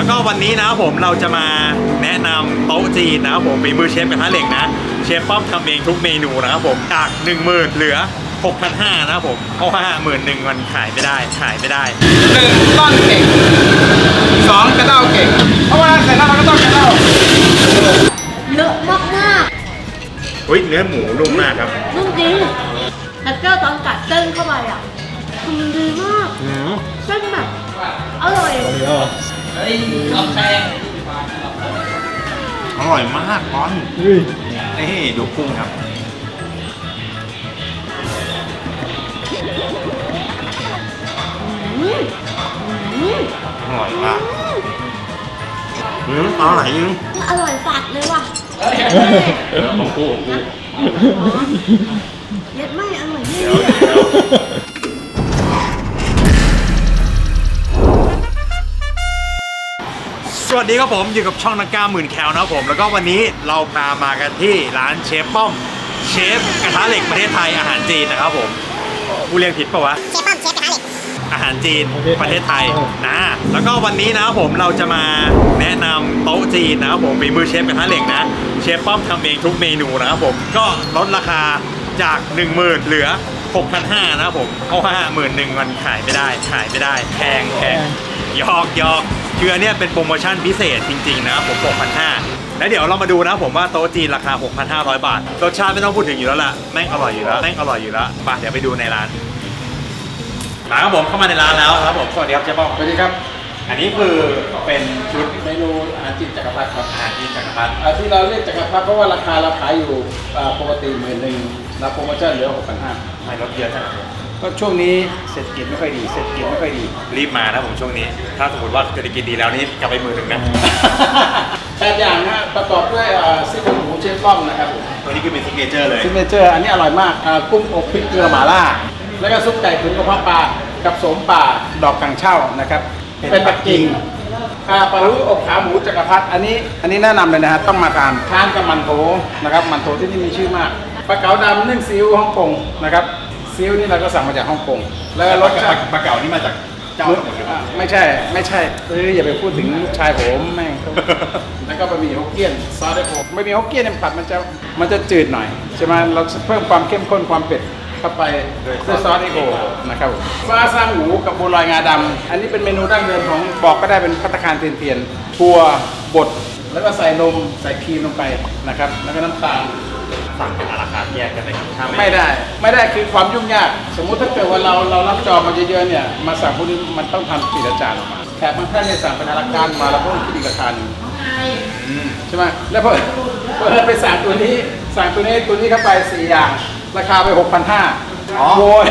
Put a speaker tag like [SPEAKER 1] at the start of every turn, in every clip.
[SPEAKER 1] แล้วก็วันนี้นะครับผมเราจะมาแนะนำโต๊ะจีนนะครับผมฝีมือเชฟกระทะเหล็กนะเชฟป้อมทำเองทุกเมนูนะครับผมจาก 10,000 เหลือ 6,500 นะครับผมเพราะว่า11,000มันขายไม่ได้
[SPEAKER 2] 1ต้อนเก่ง2กระเด้าเก่งเพราะว่าใส่น้ำมันก็ต้องกระเด้า
[SPEAKER 3] เยอะมากมาก
[SPEAKER 1] อุ้ยเนื้อหมูนุ่มมากครับ
[SPEAKER 3] นุ่มจริงแต่เจ้าตอนกัดเส้นเข้าไปอ่ะคือมันดีมากเส้นแบบอร่อย
[SPEAKER 2] เฮ้ยลองแป้ง
[SPEAKER 1] อร่อยมากบอลนี่ดูกุ้งครับอร่อยมากอร่อยจริง
[SPEAKER 3] อร่อยฝาดเลยว่ะ
[SPEAKER 1] ของกู
[SPEAKER 3] เย็ดไม่อร่อยนี่
[SPEAKER 1] สวัสดีครับผมอยู่กับช่องนักกล้าหมื่นแคลนะครับผมแล้วก็วันนี้เรามากันที่ร้านเชฟป้อมเชฟกระทะเหล็กประเทศไทยอาหารจีนนะครับผมกูเรียกผิดปะวะ
[SPEAKER 3] เชฟป้อมเชฟกระทะเหล็ก
[SPEAKER 1] อาหารจีนประเทศไทยนะแล้วก็วันนี้นะครับผมเราจะมาแนะนำโต๊ะจีนนะครับผมฝีมือเชฟกระทะเหล็กนะเชฟป้อมทำเองทุกเมนูนะครับผมก็ลดราคาจาก 10,000 เหลือ 6,500 นะครับผมเพราะว่า11,000มันขายไม่ได้แพงยอกคืออันนี้เป็นโปรโมชั่นพิเศษจริงๆนะครับผม 6,500 แล้วเดี๋ยวเรามาดูนะผมว่าโต๊ะจีนราคา 6,500 บาทรสชาติไม่ต้องพูดถึงอยู่แล้วล่ะแม่งอร่อยอยู่แล้วไปเดี๋ยวไปดูในร้านมาครับผมเข้ามาในร้านแล้วครับผมสวัสดีครับเจ๊ป้อม
[SPEAKER 2] สวัสดีครับ
[SPEAKER 1] อันนี้คือเป็นชุด
[SPEAKER 2] เมนูอาหารจีนจักรพรรดิครับ
[SPEAKER 1] อาหารจีนจักรพรรดิ
[SPEAKER 2] ที่เราเรียกจักรพรรดิเพราะว่าราคาเราขายอยู่ปกติ11,000นะโปรโมชั่นเหลือ 6,500
[SPEAKER 1] ไม่ลดเยอะจัง
[SPEAKER 2] ก็ช่วงนี้เศรษฐกิจไม่ค่อยดี
[SPEAKER 1] รีบมานะผมช่วงนี้ถ้าสมมติว่าเศรษฐกิจดีแล้วนี่กลับไป11,000นะ
[SPEAKER 2] 8อย่างนะประกอบด้วยซี่โครงหมูเชฟป้อมนะครับ
[SPEAKER 1] ตัวนี้คือเป็นซิกเนเจอร์เลย
[SPEAKER 2] ซิกเนเจอร์อันนี้อร่อยมากกุ้งอบพริกเกลือหม่าล่าแล้วก็ซุปไก่ตุ๋นกระเพาะปลากับโสมป่าดอกกังเช่านะครับเป็นปักกิ่งปลาลูอบขาหมูจักรพรรดิอันนี้แนะนำเลยนะฮะต้องมาทานกับมันโถนะครับมันโถที่นี่มีชื่อมากปลาเก๋าดำนึ่งซีอิ๊วฮ่องกงนะครับซีอิ๊วนี่เราก็สั่งมาจากฮ่องกงแล้วรสชาติ
[SPEAKER 1] ปลาเก๋านี่มาจากเจ้าสมุทรหรือเปล่า
[SPEAKER 2] ไม่ใช่อย่าไปพูดถึงลูกชายผมแม่งแล้วก็บะหมี่ฮกเกี้ยนซอสได้ผมบะหมี่ฮกเกี้ยนเนี่ยผัดมันจะจืดหน่อยใช่ไหมเราเพิ่มความเข้มข้นความเผ็ดเข้าไปด้วยซอสไอโอนะครับฟ้าสร้างหมูกับบัวลอยงาดำอันนี้เป็นเมนูดั้งเดิมของบอกก็ได้เป็นภัตตาคารเทียนถั่วบดแล้วก็ใส่นมใส่ครีมลงไปนะครับแล้วก็น้ำตาล
[SPEAKER 1] สั่งเป็นอาราคาแยกกันเลยครับ
[SPEAKER 2] ไม่ได้คือความยุ่งยากสมมุติถ้าเกิดว่าเรารับจองมาเยอะๆเนี่ยมาสั่งพวกนี้มันต้องทำปีละจานออกมาแขกบางท่านเนี่ยสั่งเป็นอาราคามาแล้วก็ต้องคิดอีกราคาหนึ่งใช่ไหมแล้วพอไปสั่งตัวนี้เข้าไป4อย่างราคาไป 6,500โวย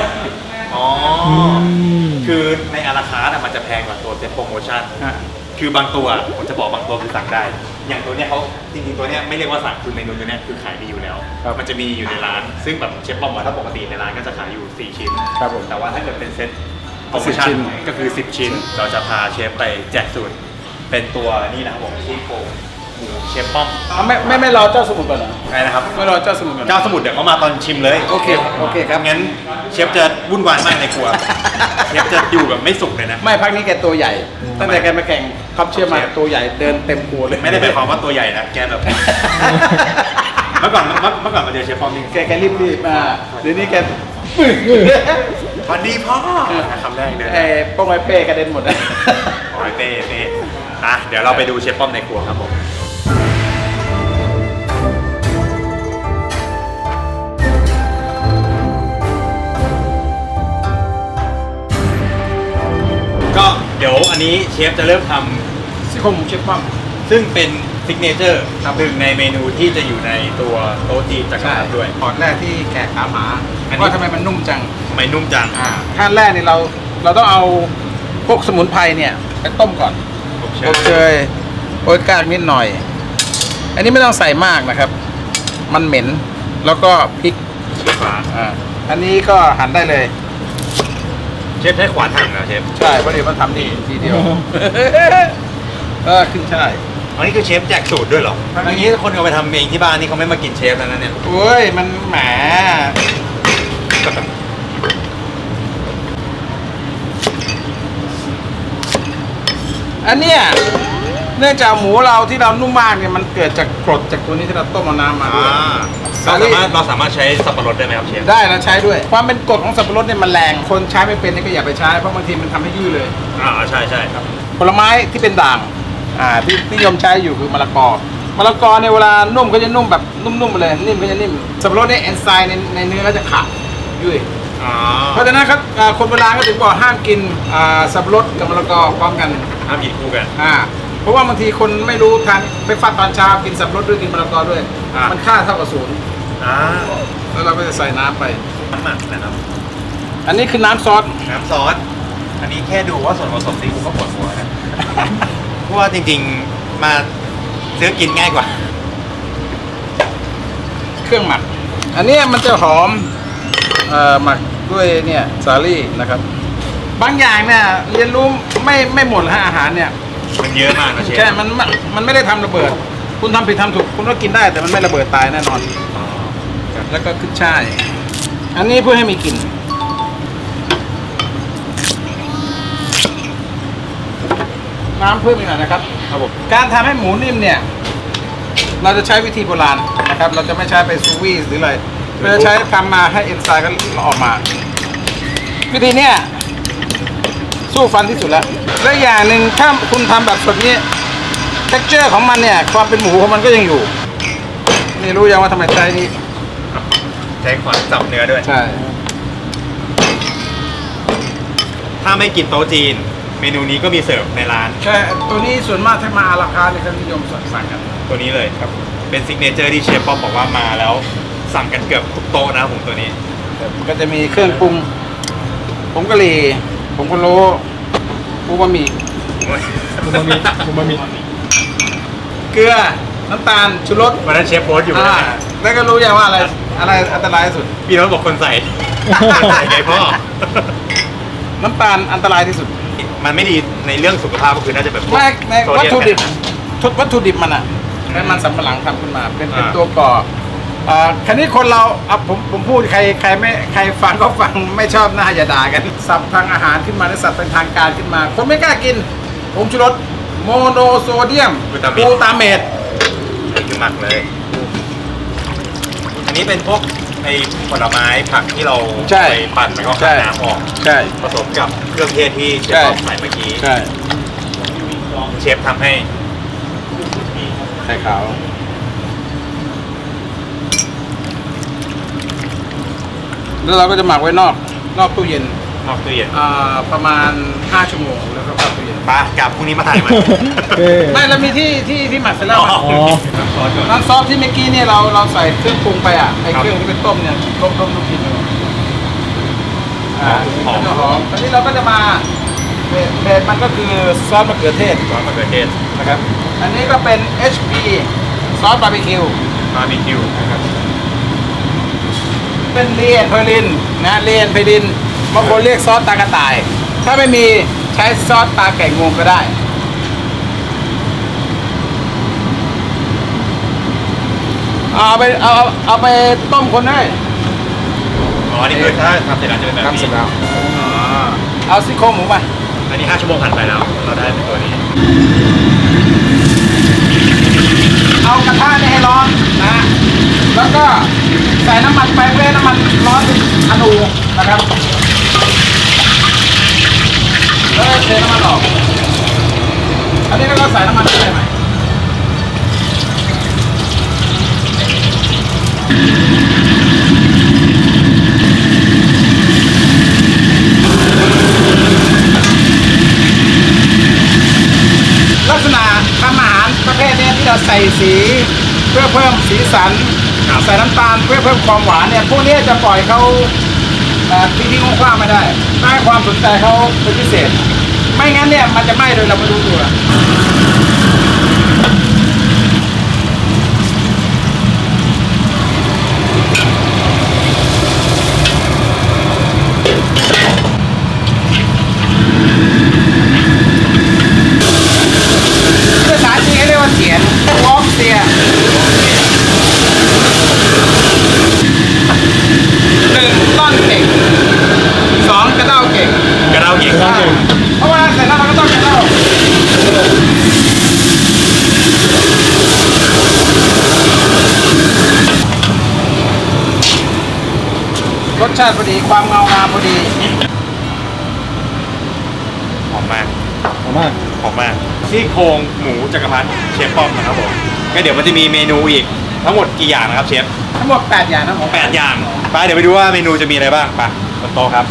[SPEAKER 1] คือในอาราคาร์มันจะแพงกว่าตัวเซ็ตโปรโมชั่นคือบางตัวผมจะบอกบางตัวคือสั่งได้อย่างตัวเนี้ยเขาจริงๆตัวเนี้ยไม่เรียกว่าสั่งคือเมนูตัวเนี้ยคือขายดีอยู่แล้วมันจะมีอยู่ในร้านซึ่งแบบเชฟป้อมถ้าปกติในร้านก็จะขายอยู่4ชิ้นแต่ว่าถ้าเกิดเป็นเซ็ตโปรโมชั่นก็คือ10ชิ้นเราจะพาเชฟไปแจกสูตรเป็นตัวนี่นะครับผมซี่โครงเชฟป้อม
[SPEAKER 2] ไม่รอเจ้าสมุทรก่อนเหรอ
[SPEAKER 1] ใช่นะครับ
[SPEAKER 2] ไม่รอเจ้าสมุทรก่อน
[SPEAKER 1] เจ้าสมุทรเดี๋ยวเขามาตอนชิมเลย
[SPEAKER 2] โอเคครับ
[SPEAKER 1] งั้นเชฟจะวุ่นวายมากในครัวเชฟจะอยู่แบบไม่สุกเลยนะ
[SPEAKER 2] ไม่พักนี้แกตัวใหญ่ตั้งแต่แกมาแข่งคัพเชียร์มาตัวใหญ่เดินเต็มครัวเลย
[SPEAKER 1] ไม่ได้หมายความว่าตัวใหญ่นะแกแบบเมื่อก่อนมาเจอเชฟป้อมนี่
[SPEAKER 2] แกรีบมาเดี๋ยวนี้แก
[SPEAKER 1] สวัสดีพ่อคำแรกเลย
[SPEAKER 2] ป้องไว้เป้กระเด็นหมดเลย
[SPEAKER 1] ไว้เป้เดี๋ยวเราไปดูเชฟป้อมในครัวครับผมก็เดี๋ยวอันนี้เชฟจะเริ่มท
[SPEAKER 2] ำซี่โครงหมูเชฟป้อม
[SPEAKER 1] ซึ่งเป็นซิกเนเจอร์หนึ่งในเมนูที่จะอยู่ในตัวโต๊ะจีนจักรพรรดิด้วย
[SPEAKER 2] ตอนแรกที่แขกถามหาว่าทำไมมันนุ่มจังขั้นแรกนี่เราต้องเอาพวกสมุนไพรเนี่ยไปต้มก่อนอบเชยโอ๊ยกากนิดหน่อยอันนี้ไม่ต้องใส่มากนะครับมันเหม็นแล้วก็พริกอันนี้ก็หั่นได้เลย
[SPEAKER 1] เชฟใช้ขวานหั่นเหรอเชฟ
[SPEAKER 2] ใช่เพราะเดี๋ยวมันทำดีทีเดียวขึ้นใช่
[SPEAKER 1] อันนี้คือเชฟแจกสูตรด้วยเหรออย่างนี้คนเอาไปทำเองที่บ้านนี่เขาไม่มากินเชฟแล้วนะเนี่ย
[SPEAKER 2] โอ้ยมันแหมอันเนี้ยเนื่องจากหมูเราที่เรานุ่มมากเนี่ยมันเกิดจากกรดจากตัวนี้ที่เราต้มเอาน้ำมาด้วย
[SPEAKER 1] เราสามารถใช้สับปะรดได้ไหมครับเชฟ
[SPEAKER 2] ได้แล้วใช้ด้วย ความเป็นกรดของสับปะรดเนี่ยมันแรงคนใช้ไม่เป็นนี่ก็อย่าไปใช้เพราะบางทีมันทำให้ยุ่ยเลย
[SPEAKER 1] ใช่ใช่ครับ
[SPEAKER 2] ผลไม้ที่เป็นด่างที่นิยมใช้อยู่คือมะละกอเนี่ยเวลานุ่มก็จะนุ่มแบบนุ่มๆไปเลยนิ่มก็จะนิ่มสับปะรดเนี่ยเอนไซม์ในเนื้อก็จะขาดยุ่ยเพราะฉะนั้นครับคนโบราณก็ถึงบอกห้ามกินสับปะรดกับมะละกอพร้อมกัน
[SPEAKER 1] ห้ามกินคู่กัน
[SPEAKER 2] เพราะว่าบางทีคนไม่รู้ทานไปฟัดตอนเช้ากินสับปะรดด้วยกินมะละกอด้วย มันค่าเท่ากับศูนย์แล้วเราก็จะใส่น้ำไป
[SPEAKER 1] น้ำหมักนะครับ
[SPEAKER 2] อันนี้คือน้ำซอส
[SPEAKER 1] น้ำซอส อันนี้แค่ดูว่าส่วนผสมนี่กูก็ปวดหัวนะ เพราะว่าจริงๆมาซื้อกินง่ายกว่า
[SPEAKER 2] เครื่องหมัก อันนี้มันจะหอมหมักด้วยเนี่ยสาลี่นะครับ บางอย่างเนี่ยเรียนรู้ไม่หมดฮะอาหารเนี่ย
[SPEAKER 1] มันเยอะมากนะเชฟ
[SPEAKER 2] ใช่มันไม่ได้ทำระเบิด คุณทำผิดทำถูกคุณก็กินได้แต่มันไม่ระเบิดตายแน่นอน แล้วก็ขึ้นช่าย อันนี้เพื่อให้มีกลิ่น น้ำเพิ่มอีกหน่อยนะครับ
[SPEAKER 1] ครับผม
[SPEAKER 2] การทำให้หมูนิ่มเนี่ย เราจะใช้วิธีโบราณนะครับ เราจะไม่ใช้ไปซูวีหรืออะไรเราจะใช้ทำมาให้เอนไซม์ก็ออกมา วิธีเนี้ยสู้ฟันที่สุดแล้ว และอย่างหนึ่งถ้าคุณทำแบบสดนี้ texture ของมันเนี่ย ความเป็นหมูของมันก็ยังอยู่ นี่รู้ยังว่าทำไมใช้นี่
[SPEAKER 1] ใช้ขวานจับเนื้อด้วย
[SPEAKER 2] ใช่
[SPEAKER 1] ถ้าไม่กินโต๊ะจีน เมนูนี้ก็มีเสิร์ฟในร้าน
[SPEAKER 2] ใช่ ตัวนี้ส่วนมากถ้ามาอาราคาเนี่ยเขานิยมสั่งกัน
[SPEAKER 1] ตัวนี้เลยครับ เป็นซิกเนเจอร์ที่เชฟป๊อปบอกว่ามาแล้วสั่งกันเกือบทุกโต๊ะนะครับผมตัวนี้
[SPEAKER 2] ก็จะมีเครื่องปรุงผงกะหรี่ผงพะโล้ปูบะหมี่
[SPEAKER 1] คุมามิ
[SPEAKER 2] เกลือ น้ำตาล ชูรส
[SPEAKER 1] วันนั้นเชฟโพสต์อยู่นะ
[SPEAKER 2] แล้วก็รู้ยังว่าอะไรอันตรายที่สุด
[SPEAKER 1] พี่โน้ตบอกคนใส่ ใส่ไงพ่อ
[SPEAKER 2] น้ำตาลอันตรายที่สุด
[SPEAKER 1] มันไม่ดีในเรื่องสุขภาพก็คือน่าจะแบบพวก
[SPEAKER 2] ใน
[SPEAKER 1] โซ
[SPEAKER 2] วัต
[SPEAKER 1] เยม
[SPEAKER 2] ถุดิบ
[SPEAKER 1] แทน
[SPEAKER 2] วัตถุดิบมันอ่ะเป็นมันสำปะหลังทำขึ้นมา เป็น
[SPEAKER 1] อ่า
[SPEAKER 2] ตัวก่อคันนี้คนเราผมพูดใครฟังก็ฟังไม่ชอบหน้าอย่าด่ากันสับทางอาหารขึ้นมาหรือสับเป็นทางการขึ้นมา คนไม่กล้ากินผงชูรสโมโนโซเดียมกลูตาเมต
[SPEAKER 1] นี่คือหมักเลย อันนี้เป็นพวกไอ้ผลไม้ผักที่เรา
[SPEAKER 2] ใช่
[SPEAKER 1] ไปปั่นแล้วก็
[SPEAKER 2] ใช่
[SPEAKER 1] ขัดน้ำออก
[SPEAKER 2] ใช่
[SPEAKER 1] ผสมกับเครื่องเทศที่เชฟ
[SPEAKER 2] ใช่
[SPEAKER 1] ป๊อปใส่เมื่อกี้
[SPEAKER 2] ใช่
[SPEAKER 1] เชฟทำให้
[SPEAKER 2] ไข่ขาวแล้วเราก็จะหมักไว้นอกตู้เย็น
[SPEAKER 1] นอกตู้เย็น
[SPEAKER 2] ประมาณ5 ชั่วโมงแล้วก็เข้าตู้เย็น
[SPEAKER 1] ปะกลับพรุ่งนี้มาถ่ายใหม่
[SPEAKER 2] ไม่เรามีที่หมักเสร็จแล้ว
[SPEAKER 1] อ๋อ
[SPEAKER 2] อะ
[SPEAKER 1] ซอสก่อน
[SPEAKER 2] น้ำซอสที่เมื่อกี้เนี่ยเราใส่เครื่องปรุงไปอ่ะไอ้
[SPEAKER 1] ครับ
[SPEAKER 2] เครื่องที่เป็นต้มเนี่ยต้มลูกชิ้นอยู่
[SPEAKER 1] หอม
[SPEAKER 2] ก็จะหอมตอนนี้เราก็จะมาเบสมันก็คือซอสมะเขือเทศ
[SPEAKER 1] ซอสมะเขือเทศ
[SPEAKER 2] นะครับ อันนี้ก็เป็น HP ซอสบาร์บีคิว
[SPEAKER 1] บาร์บีคิวนะครับ
[SPEAKER 2] เป็นเลียนเพลินนะเลียนเพลินบางคนเรียกซอสตากระต่าย ถ้าไม่มีใช้ซอสตาไก่งวงก็ได้ เอาไปต้มคนได้
[SPEAKER 1] อ๋อ นี่คือถ้าทำเสร็จแล้วจะเป็นแบบนี้อ๋อ
[SPEAKER 2] เอาซี่โครงหมูไป
[SPEAKER 1] อันนี้5 ชั่วโมงผ่านไปแล้ว เราได้เป็นตัวนี้
[SPEAKER 2] เอากระทะนี่ให้ร้อนนะ แล้วก็ใส่น้ำมันไปเพื่อให้น้ำมันร้อนอนูนะครับ แล้วก็เทน้ำมันออก อันนี้ก็ใส่น้ำมันไปใหม่ลักษณะทำอาหารประเภทนี้ที่เราใส่สีเพื่อเพิ่มสีสัน
[SPEAKER 1] ครับ
[SPEAKER 2] ใส่น้ำตาลเพื่อเพิ่มความหวานเนี่ยพวกนี้จะปล่อยเขาทิ้งๆคว้างๆไม่ได้ให้ความสนใจเขาเป็นพิเศษ ไม่งั้นเนี่ยมันจะไหม้โดยเราไม่รู้ตัวภาษาจีนเขาเรียกว่าเสียนวอล์กเสีย 1ต้อนเก่ง2กระเด้าเก่ง
[SPEAKER 1] กระเด้าเก่ง
[SPEAKER 2] เพราะว่าเสร็จแล้วเราก็ต้องกระเด้าสชาติพอดีความเงางามพอดี
[SPEAKER 1] หอมมาก
[SPEAKER 4] หอมมาก
[SPEAKER 1] หอมมากซี่โครงหมูจักรพรรดิเชฟป้อมนะครับผมก็เดี๋ยวมันจะมีเมนูอีกทั้งหมดกี่อย่างนะครับเชฟ
[SPEAKER 2] ทั้งหมด8อย่างนะผม
[SPEAKER 1] 8 อย่างไปเดี๋ยวไปดูว่าเมนูจะมีอะไรบ้างไปบนโต๊ะครับ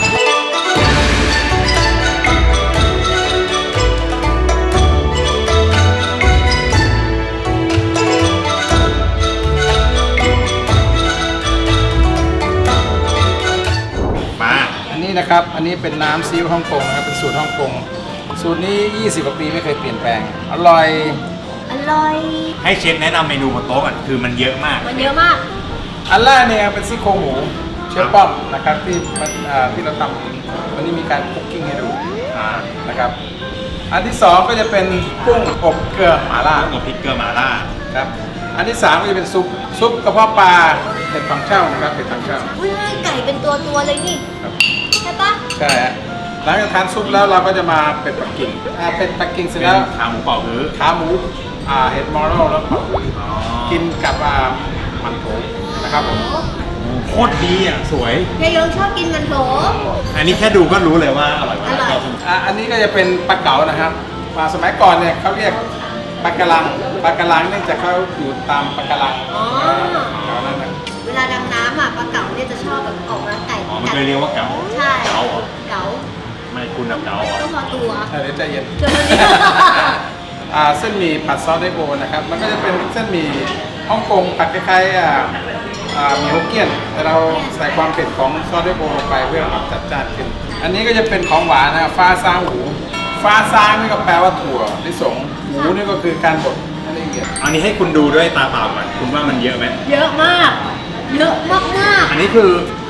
[SPEAKER 1] มา
[SPEAKER 2] อันนี้นะครับอันนี้เป็นน้ำซีอิ๊วฮ่องกงนะครับเป็นสูตรฮ่องกงสูตรนี้20กว่าปีไม่เคยเปลี่ยนแปลงอร่อย
[SPEAKER 3] อร่อย
[SPEAKER 1] ให้เชฟแนะนำเมนูบนโต๊ะก่อนคือมันเยอะมาก
[SPEAKER 3] มันเยอะมาก
[SPEAKER 2] อันแรกเนี่ยเป็นซี่โครงหมูเชฟป้อมนะครับที่เราทำวันนี้มีการคุกกิ้งให้ดูนะครับอันที่สองก็จะเป็นกุ้งอบเกลือหม่าล่า
[SPEAKER 1] กับพริกเกลือหม่าล่า
[SPEAKER 2] ครับอันที่สามก็จะเป็นซุปกระเพาะปลาเห็ดถังเช่านะครับเห็ดถังเช่า
[SPEAKER 3] อุ้ยไก่เป็นตัวเลยนี่
[SPEAKER 2] ครับ
[SPEAKER 3] ใช่ปะ
[SPEAKER 2] ใช่ฮะหลังจากทานซุปแล้วเราก็จะมาเป็ดปักกิ่งเป็ดปักกิ่งเสร็จ
[SPEAKER 1] เป็
[SPEAKER 2] แล้ว
[SPEAKER 1] นขาหมูเป่าฮื้อ
[SPEAKER 2] ขาหมูเห็ดมอรัลแล้วผัดกินกับมันโถนะครับผม
[SPEAKER 1] โคตรดีอ่ะสวย
[SPEAKER 3] ยายยงชอบกินมันโถ
[SPEAKER 1] อันนี้แค่ดูก็รู้เลยว่าอร่อยมาก
[SPEAKER 3] อร่อย
[SPEAKER 2] อันนี้ก็จะเป็นปลาเก๋านะครับสมัยก่อนเนี่ยเขาเรียกปลากระลังเนื่องจากเขาอยู่ตามปลากระลัง
[SPEAKER 3] อ๋อ
[SPEAKER 2] แถวนั้นนะ
[SPEAKER 3] เวลาดำน้ำอ่ะปลาเก๋าเนี่ยจะชอบแบบออกมาไก่
[SPEAKER 1] อ๋อมันเคยเรียกว่าเก๋า
[SPEAKER 3] ใช่
[SPEAKER 1] เก๋าเหรอ
[SPEAKER 3] เก๋า
[SPEAKER 1] ไม่คุณแบบเก๋าเหรอ
[SPEAKER 3] ก็พอตัว
[SPEAKER 2] เดี๋ยวใจเย็น
[SPEAKER 3] เจอเนี่ย
[SPEAKER 2] เส้นหมี่ผัดซอสไดโบนะครับมันก็จะเป็นเส้นหมี่ฮ่องกงผัดคล้ายๆหมี่ฮกเกี้ยนแต่เราใส่ความเผ็ดของซอสไดโบลงไปเพื่อปรับจัดจ้านขึ้นอันนี้ก็จะเป็นของหวานนะฟ้าซางหูฟ้าซางนี่ก็แปลว่าถั่วลิสงหมูนี่ก็คือการบดให้ละเอียด
[SPEAKER 1] อันนี้ให้คุณดูด้วยตาเปล่าก่อนคุณว่ามันเยอะไหม
[SPEAKER 3] เยอะมาก เยอะมากมาก
[SPEAKER 1] อันนี้คือ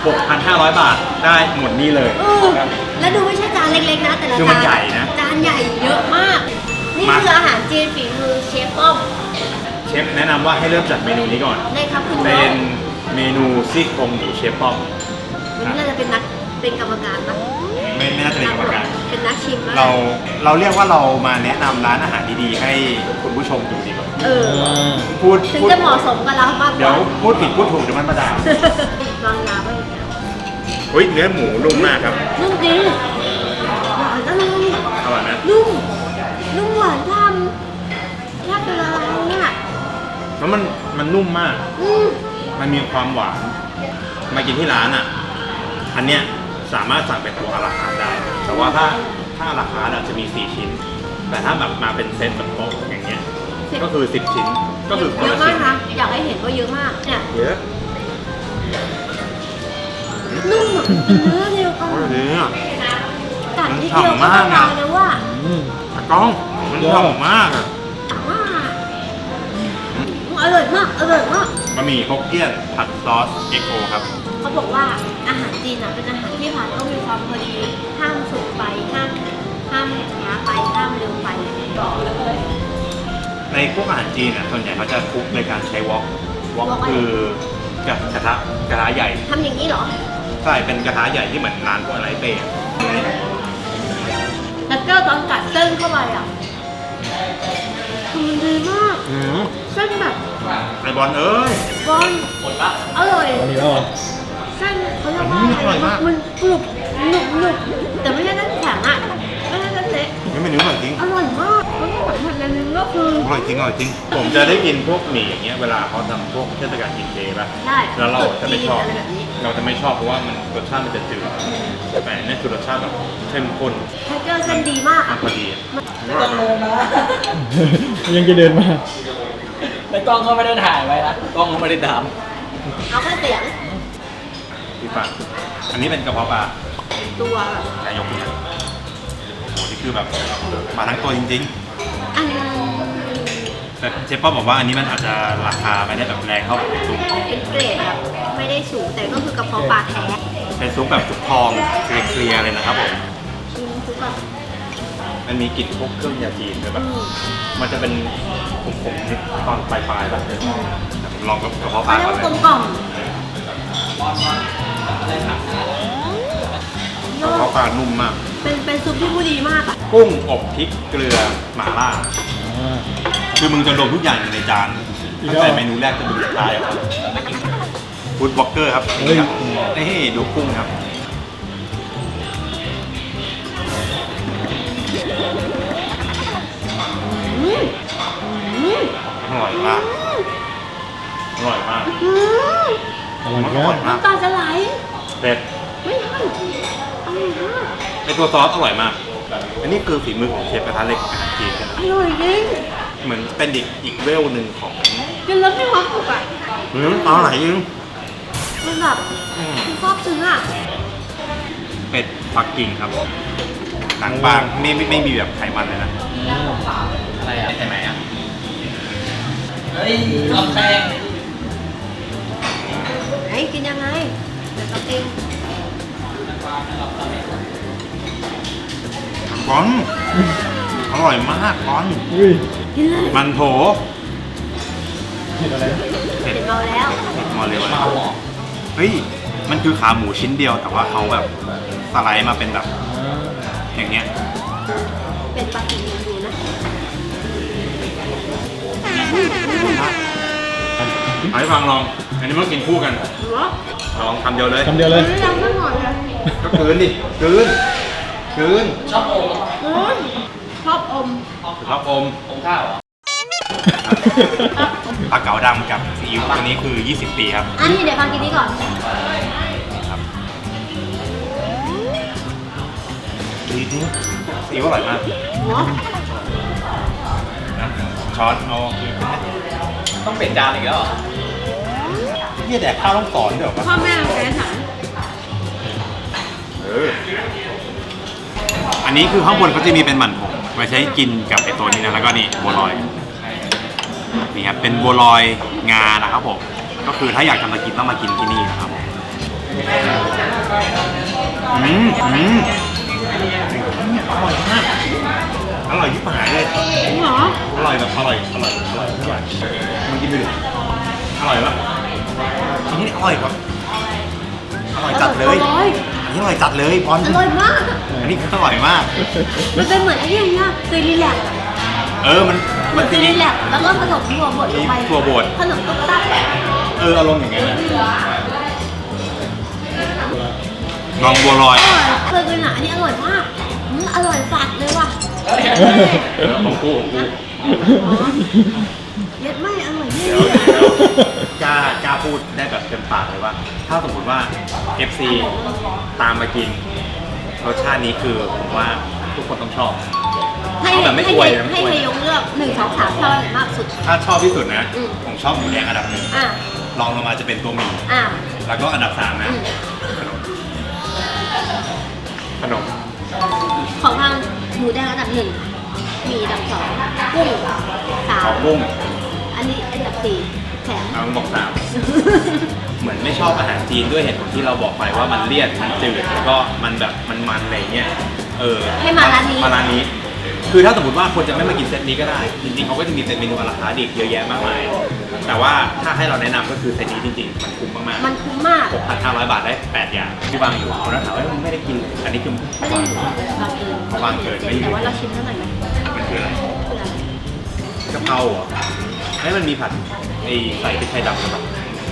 [SPEAKER 1] 6,500 บาทได้หมดนี่เลย
[SPEAKER 3] แล้วดูไม่ใช่จานเล็กๆนะแต่ละ
[SPEAKER 1] คือ
[SPEAKER 3] จา
[SPEAKER 1] มัน
[SPEAKER 3] น
[SPEAKER 1] ใหญ่นะ
[SPEAKER 3] จานใหญ่เยอะมาก นี่
[SPEAKER 1] มา
[SPEAKER 3] คืออาหารจีนฝีมือเชฟป้อม
[SPEAKER 1] เชฟแนะนำว่าให้เริ่มจากเมนูนี้ก่อน
[SPEAKER 3] ได้ครับคุณน้
[SPEAKER 1] เป็
[SPEAKER 3] อง
[SPEAKER 1] นเมนูซี่โครงหมูเชฟป้อม
[SPEAKER 3] วันนี้เราจะเป็นกรรมการปะ
[SPEAKER 1] ไม่น่าจะเป็นกรรมการ
[SPEAKER 3] เป็นนักชิมปะ
[SPEAKER 1] เราเรียกว่าเรามาแนะนำร้านอาหารดีๆให้คุณผู้ชมดูดีกว่า
[SPEAKER 3] เออ
[SPEAKER 1] พูด
[SPEAKER 3] ถึง
[SPEAKER 1] พูด
[SPEAKER 3] จะเหมาะสมกับเรามากก
[SPEAKER 1] เดี๋ยว
[SPEAKER 3] ว่า
[SPEAKER 1] พูดผิดพูดถูกเดี๋ยวมันมาด่าว
[SPEAKER 3] างยาไว้อย่างเงี้ย
[SPEAKER 1] อุ้ยเนื้อหมูนุ่มมากครับ
[SPEAKER 3] นุ่มจริงหวานอร่อย
[SPEAKER 1] อร่อยไหม
[SPEAKER 3] นุ่มหวานทำแทบจะละลายเนี่ย
[SPEAKER 1] แล้วมันนุ่มมาก มันมีความหวาน มากินที่ร้านอ่ะ อันเนี้ยสามารถสั่งเป็นตัวอาราคาร์ทได้ แต่ว่าถ้าอาราคาร์ทจะมี 4 ชิ้น แต่ถ้าแบบมาเป็นเซตแบบโต๊ะอย่างเงี้ย ก็คือ 10 ชิ้น ก็คือคน
[SPEAKER 3] เย
[SPEAKER 1] ละ
[SPEAKER 3] อะมา
[SPEAKER 1] ชิ้
[SPEAKER 3] ก
[SPEAKER 1] น
[SPEAKER 3] นะอยากให้เห็นว่าเยอะมากเนี่ย
[SPEAKER 1] เยอะ
[SPEAKER 3] นุ่มอะเป็นเนื้อเดียวกัน
[SPEAKER 1] โอ้ยเนื้อ
[SPEAKER 3] กัดนิดเดียวก็ละลายแล้วว่า
[SPEAKER 1] ตากล้อง มันหอมมากอ่ะ
[SPEAKER 3] อร่อยมากอร่อยมาก
[SPEAKER 1] บะหมี่ฮกเกี้ยนผัดซอสเอ็กโอครับ
[SPEAKER 3] เขาบอกว่าอาหารจีนอะเป็นอาหารที่ผ่านต้องมีความพอดีห้ามสุกไปห้ามช้าไปห้ามเร็วไปบอกเลย
[SPEAKER 1] ในพวกอาหารจีนอ่ะส่วนใหญ่เขาจะคลุกในการใช้วอกคือกับกระทะใหญ่
[SPEAKER 3] ทำอย่างนี้เหรอ
[SPEAKER 1] ใช่เป็นกระทะใหญ่ที่เหมือนร้านพวกอะไรเป้อะ
[SPEAKER 3] แล้วก็ตอนกัดเส้นเข้าไปอ่ะคือมันดีมากเส้นแบบ
[SPEAKER 1] ไอบอลเอ้ย
[SPEAKER 3] บอลอร่อย
[SPEAKER 4] อันนี้แล้วอ่ะ
[SPEAKER 3] เส้นเขาเรียกว่า
[SPEAKER 1] อร่อยมาก
[SPEAKER 3] มันกรุบหนุบแต่ไม่ใช่เส้นแข็งอ่ะไม่ใช่เส้นเละ
[SPEAKER 1] นี่มันเนื้ออร่อยจริง
[SPEAKER 3] อร่อยมากแล้วก็สัมผัสอันนึงก็คือ
[SPEAKER 1] อร่อยจริงอร่อยจริง ผมจะได้กินพวกหมี่อย่างเงี้ยเวลาเขาทำพวกเทศกาลกินเจป่ะ
[SPEAKER 3] ได้
[SPEAKER 1] แล้วเราจะไม่ชอบ
[SPEAKER 3] อะไรแบบนี้
[SPEAKER 1] เราจะไม่ชอบเพราะว่ามันรสชาติมันจะจืดแต่อันนี่คือรสชาติแบบเข้มข้น
[SPEAKER 3] เทคเจอร์เส้นดีมาก
[SPEAKER 1] มั
[SPEAKER 3] อ่ะ
[SPEAKER 1] นพอดีอะ
[SPEAKER 4] ยังจะเดินมา
[SPEAKER 5] ในกล้องก็ไม่ได้ถ่ายไว้นะกล้องก็ไม่ได้ด
[SPEAKER 3] เอาแค่เสียง
[SPEAKER 1] พี่ปังอันนี้เป็นกระเพาะปลา
[SPEAKER 3] ตัวแบบ
[SPEAKER 1] นายกนะโอ้โหนี่คือแบบมาทั้งตัวจริง
[SPEAKER 3] อันนี้
[SPEAKER 1] ๆแต่เชฟป้อมบอกว่าอันนี้มันอาจจะราคาไม่ได้แบบแรงเท่ากับซุป
[SPEAKER 3] เป็นเกรดแบบไม่ได้สูงแต่ก็คือกระเพาะปลาแท้
[SPEAKER 1] เป็นซุปแบบซุปทองเคลียร์ๆเลยนะครับผม
[SPEAKER 3] กินทุกแบบ
[SPEAKER 1] มันมีกลิ่นพวกเครื่องยาจีนด้วยแบบ
[SPEAKER 3] อืม
[SPEAKER 1] มันจะเป็นขมๆนิดตอนปลายๆแบบผมลองกับกระเพาะป
[SPEAKER 3] เขา
[SPEAKER 1] ลา
[SPEAKER 3] เรียก
[SPEAKER 1] ก่อน
[SPEAKER 3] ว่า
[SPEAKER 1] เล
[SPEAKER 3] กลม
[SPEAKER 1] ย
[SPEAKER 3] กล่อม
[SPEAKER 1] กระเพาะปลานุ่มมาก
[SPEAKER 3] เป็นซุปที่ผู้ดีมากอ่ะ
[SPEAKER 1] กุ้งอบพริกเกลือหม่าล่า คือมึงจะรวมทุกอย่างอยู่ในจานตั้งแต่เมนูแรกจนเมนูสุดท้ายอะครับฟู้ดบล็อกเกอร์ครับนี่ครับนี่ดูกุ้งครับอร่อยมากอร่อยมาก
[SPEAKER 3] อืม
[SPEAKER 1] อร่อยมาก
[SPEAKER 3] น้ำตาจะไหล
[SPEAKER 1] เผ็ด
[SPEAKER 3] ไม่ทันอร่อยมาก
[SPEAKER 1] ไอตัวซอสอร่อยมากอันนี้คือฝีมือของเชฟกระทะเหล็กอาหารจีน
[SPEAKER 3] อร่อยจริง
[SPEAKER 1] เหมือนเป็นอีกเวลหนึ่งของ
[SPEAKER 3] กินแล้วไม่ความสุขอ่ะ
[SPEAKER 1] อร่อยจริง
[SPEAKER 3] มันแบบมันซาบซึ้งอ่ะ
[SPEAKER 1] เป็ดปักกิ่งครับหนังบางไม่มีแบบไขมันเลยนะ
[SPEAKER 5] อะไรอ่ะใช่ไหมอ่ะเฮ้ยลำแซง
[SPEAKER 3] ไหนกินยังไงเดี๋ยวเรากิน
[SPEAKER 1] ก้อนอร่อยมากก้อน
[SPEAKER 3] กินเลย
[SPEAKER 1] มันโถ
[SPEAKER 3] เผ็ดเราแล้ว
[SPEAKER 1] มาเลย
[SPEAKER 5] มา
[SPEAKER 1] ว่า
[SPEAKER 5] หมอ
[SPEAKER 1] เฮ้ยมันคือขาหมูชิ้นเดียวแต่ว่าเขาแบบสไลด์มาเป็นแบบอย่างเงี้ย
[SPEAKER 3] เป็นปลากินดูนะ
[SPEAKER 1] เอาให้ฟังลองอันนี้มันกินคู่กัน
[SPEAKER 3] หัว
[SPEAKER 1] ลองคำเดียวเลย
[SPEAKER 2] คำเดียวเลย
[SPEAKER 3] ไม่ยังไม่หมดเลย
[SPEAKER 1] ก็กลืนดิกลืน
[SPEAKER 5] ชอบอม
[SPEAKER 3] ชอบอม
[SPEAKER 1] รับอม
[SPEAKER 5] อมข้าวเหรอ
[SPEAKER 1] ปลาเก๋าดำกับซีอิ๊วตัวนี้คือ 20 ปีครับ
[SPEAKER 3] อันนี้เดี๋ยวฟังกินนี้ก่อน
[SPEAKER 1] ครับดีจริงซีอิ๊วอร่อยมาก
[SPEAKER 3] หัว
[SPEAKER 1] นะช้อนเอา
[SPEAKER 5] ต้องเปลี่ยนจานอีกแล้วเหรอ
[SPEAKER 1] เฮียแดกข้าวต้องสอนเดี๋ยวปะ
[SPEAKER 3] พ่อแม่แฟนฉัน
[SPEAKER 1] อันนี้คือข้างบนเขาจะมีเป็นหมั่นผงไว้ใช้กินกับไอตัวนี้นะแล้วก็นี่บัวลอยนี่ครับเป็นบัวลอยงานะครับผมก็คือถ้าอยากจะมากินต้องมากินที่นี่นะครับผมอร่อยมากอร่อยที่ปหายเลย
[SPEAKER 3] จริงเหรอ
[SPEAKER 1] อร่อยแบบอร่อยทุกอย่างมันกินไปดิอร่อยปะอันนี้อร่อยครับอร่อยจัดเลย
[SPEAKER 3] อร่อย
[SPEAKER 1] อันนี้อร่อยจัดเลยบอล
[SPEAKER 3] อร่อยมาก
[SPEAKER 1] อันนี้อร่อยมาก
[SPEAKER 3] มันเป็นเหมือนไอ้นี่อย่างเงี้ยซีรีแลกซ์
[SPEAKER 1] มัน
[SPEAKER 3] ซีรีแลกซ์แล้วก็ผสมถั่วบดลงไป
[SPEAKER 1] ถั่วบด
[SPEAKER 3] ขนมตุ๊กตั๊ก
[SPEAKER 1] อารมณ์อย่างเงี้ยลองบัวลอย
[SPEAKER 3] เคยกินอ่ะอันนี้อร่อยมากอร่อยสัดเลยว่ะ
[SPEAKER 1] ของกู
[SPEAKER 3] เล็ดไม่อร่อยนี่
[SPEAKER 1] กล้าพูดได้แบบเต็มปากเลยว่า ถ้าสมมติว่า FC ตามมากินรสชาตินี้คือผมว่าทุกคนต้องชอบ
[SPEAKER 3] ให้
[SPEAKER 1] เอาแบบไม่อวยนะไม่
[SPEAKER 3] ให้
[SPEAKER 1] อวย
[SPEAKER 3] ให้ยกเลือก1 2 3ชอบอันไหนมากสุด
[SPEAKER 1] ถ้าชอบที่สุดนะ
[SPEAKER 3] อืม
[SPEAKER 1] ผมชอบหมูแดงอันดับ 1
[SPEAKER 3] อ่ะ
[SPEAKER 1] รองลงมาจะเป็นตัวหมี่
[SPEAKER 3] อ่ะ
[SPEAKER 1] แล้วก็อันดับ 3 นะ
[SPEAKER 3] อืม
[SPEAKER 1] ขนม
[SPEAKER 3] ของทางหมูแดงอันดับ 1มีอันดับ 2กุ้ง
[SPEAKER 1] ขอกุ้ง
[SPEAKER 3] 3อันนี้อันดับ4แถม
[SPEAKER 1] เอาบอก3เหมือนไม่ชอบอาหารจีนด้วยเหตุผลที่เราบอกไปว่ามันเลี่ยนมันจืดแล้วก็มันแบบมันอะไรเงี้ย
[SPEAKER 3] ให้มาร้านนี้
[SPEAKER 1] มาร้านนี้ คือถ้าสมมติว่าคนจะไม่มากินเซตนี้ก็ได้ จริงๆเขาก็จะมีเซตเมนูราคาดีเยอะแยะมากมาย แต่ว่าถ้าให้เราแนะนำก็คือเซตนี้จริงๆ มันคุ้มมาก
[SPEAKER 3] มันคุ้มมาก
[SPEAKER 1] ๆ 6,500 บาทได้ 8 อย่างที่วางอยู่คนนั้นถามว่ามึงไม่ได้กินเลยอันนี้คือ
[SPEAKER 3] ไม่ได้อยู่บางเกิน
[SPEAKER 1] บางเกินไม่อยู่
[SPEAKER 3] แต่ว่าเราชิมเท่าไหร่ไหม
[SPEAKER 1] มันคืออะไร
[SPEAKER 3] คืออะไร
[SPEAKER 1] กะเพราเหรอให้มันมีผัดไอ้ใส่พริกไทยดำกับ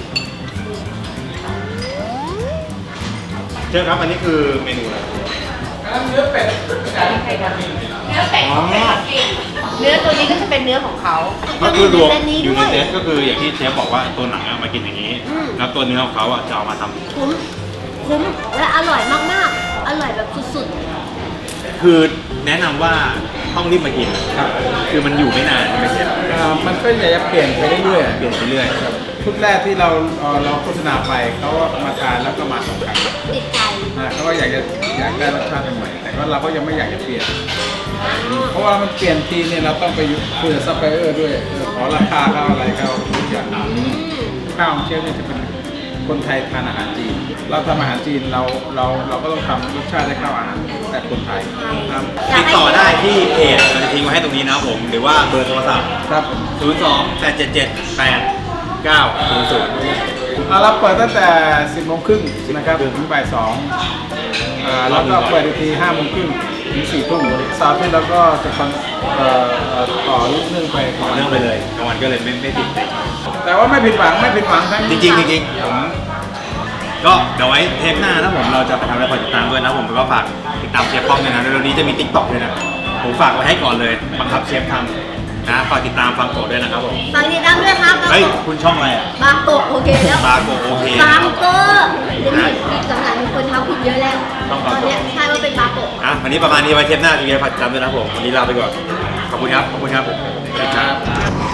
[SPEAKER 1] เชื่อครับอันนี้คือเมนูอะไร
[SPEAKER 2] เนื้อเป็ด
[SPEAKER 3] เนื้อเป็ดของเป็ดปักกิ่งเนื้อตัวนี้ก็จะเป็นเนื้อของเขา
[SPEAKER 1] ก็คือรวม
[SPEAKER 3] เส้นนี้
[SPEAKER 1] อยู่
[SPEAKER 3] ด้
[SPEAKER 1] ใน
[SPEAKER 3] วย
[SPEAKER 1] เซตก็คืออย่างที่เชฟบอกว่าตัวหนังอะมากินอย่างนี้
[SPEAKER 3] อืม
[SPEAKER 1] แล้วตัวเนื้อของเขาอะจะเอามาทำ
[SPEAKER 3] คุ้มและอร่อยมากๆ อร่อยแบบสุด
[SPEAKER 1] คือแนะนำว่าต้องรีบมากิน
[SPEAKER 2] ครับ
[SPEAKER 1] คือมันอยู่ไม่นานใช่ไหมเชฟ
[SPEAKER 2] มันก็อยากจะเปลี่ยนไปเรื่อยๆ
[SPEAKER 1] เปลี่ยนไปเรื่อย
[SPEAKER 2] ชุดแรกที่เราโฆษณาไปเขาก็มาทานแล้วก็มา2 ครั้ง
[SPEAKER 3] ๆ ติดใจ
[SPEAKER 2] เขาก็อยากได้รสชาติใหม่ๆแต่ว่าเราก็ยังไม่อยากจะเปลี่ยน เพราะว่ามันเปลี่ยนทีเนี่ยเราต้องไปคุยกับซัพพลายเออร์ด้วยขอราคาเขาอะไรเขาทุกอย่าง
[SPEAKER 3] อืม
[SPEAKER 2] ข้าวของเชฟเนี่ยจะเป็นคนไทยทานอาหารจีน เราทำอาหารจีนเราก็ต้องทำรสชาติให้เข้าอาหารแต่คนไทยครับ
[SPEAKER 1] ติดต่อได้ที่เพจเราจะทิ้งไว้ให้ตรงนี้นะครับผม หรือว่าเบอร์โทรศัพท์
[SPEAKER 2] ครับ
[SPEAKER 1] 02-877-8900
[SPEAKER 2] เราเปิดตั้งแต่ 10:30 นะครับถึงบ่าย 2แล้วก็เปิดอีกที 5:30 ถึง 4 ทุ่มเสาร์อาที่เราก็จะต่อเรื่องไปก่อน
[SPEAKER 1] เรื่องไปเลยกลางวันก็เลยไม่ติดเลย
[SPEAKER 2] แต่ว่าไม่ผิดหวังทั้ง
[SPEAKER 1] จริงๆผมก็เดี๋ยวไว้เทปหน้านะผมเราจะไปทำอะไรฝากติดตามด้วยนะผมแล้วก็ฝากติดตามเชฟป้อมด้วยนะเร็วๆนี้จะมี TikTok ด้วยนะผมฝากไว้ให้ก่อนเลยบังคับเชฟทำนะฝากติดตามฟังโกะด้วยนะครับผม
[SPEAKER 3] ฝากติดตามด้วยครับ
[SPEAKER 1] เฮ้ยคุณช่องอะไรอ่ะ
[SPEAKER 3] บาโกะโอเคแล้ว
[SPEAKER 1] บาโกะโอเค
[SPEAKER 3] บาโกะเดี๋ยวนี้หลังๆมีคนทำผิดเยอะแล้ว
[SPEAKER 1] ต้อง
[SPEAKER 3] ต
[SPEAKER 1] บา
[SPEAKER 3] อน
[SPEAKER 1] โกะ
[SPEAKER 3] เนี้ยใช่ว่าเป็นบาโกะ
[SPEAKER 1] อ่ะวันนี้ประมาณนี้ไว้เทปหน้าจะมีอะไรฝากติดตามด้วยนะครับผมวันนี้ลาไปก่อนขอบคุณครับขอบคุณครับ
[SPEAKER 2] ครับ